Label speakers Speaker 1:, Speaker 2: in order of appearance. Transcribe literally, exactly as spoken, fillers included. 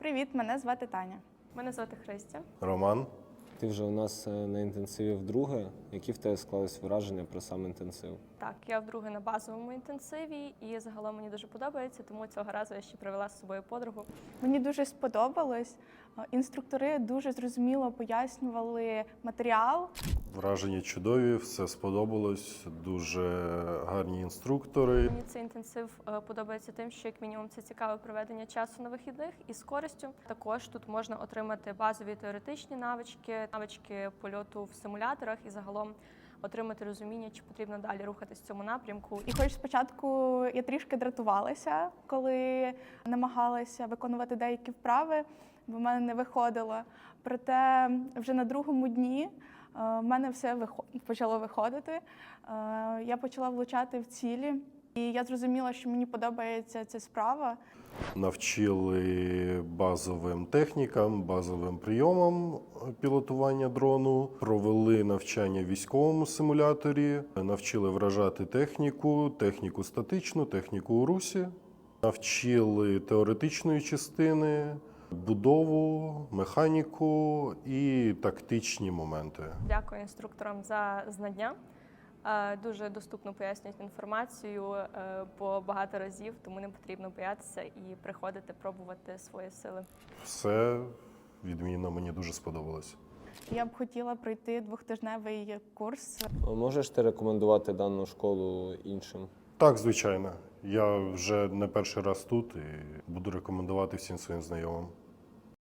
Speaker 1: Привіт, мене звати Таня.
Speaker 2: Мене звати Христя.
Speaker 3: Роман.
Speaker 4: Ти вже у нас на інтенсиві вдруге. Які в тебе склались враження про сам інтенсив?
Speaker 2: Так, я вдруге на базовому інтенсиві, і загалом мені дуже подобається, тому цього разу я ще привела з собою подругу.
Speaker 1: Мені дуже сподобалось. Інструктори дуже зрозуміло пояснювали матеріал.
Speaker 3: Враження чудові, все сподобалось, дуже гарні інструктори.
Speaker 2: Мені цей інтенсив е, подобається тим, що як мінімум це цікаве проведення часу на вихідних і з користю. Також тут можна отримати базові теоретичні навички, навички польоту в симуляторах і загалом отримати розуміння, чи потрібно далі рухатись в цьому напрямку.
Speaker 1: І хоч спочатку я трішки дратувалася, коли намагалася виконувати деякі вправи, бо в мене не виходило. Проте вже на другому дні в мене все почало виходити. Я почала влучати в цілі, і я зрозуміла, що мені подобається ця справа.
Speaker 3: Навчили базовим технікам, базовим прийомам пілотування дрону, провели навчання в військовому симуляторі, навчили вражати техніку, техніку статичну, техніку у русі, навчили теоретичної частини, будову, механіку і тактичні моменти.
Speaker 2: Дякую інструкторам за знання. Е, Дуже доступно пояснюють інформацію е, по багато разів, тому не потрібно боятися і приходити пробувати свої сили.
Speaker 3: Все відмінно, мені дуже сподобалось.
Speaker 1: Я б хотіла пройти двохтижневий курс.
Speaker 4: Можеш ти рекомендувати дану школу іншим?
Speaker 3: Так, звичайно. Я вже не перший раз тут і буду рекомендувати всім своїм знайомим.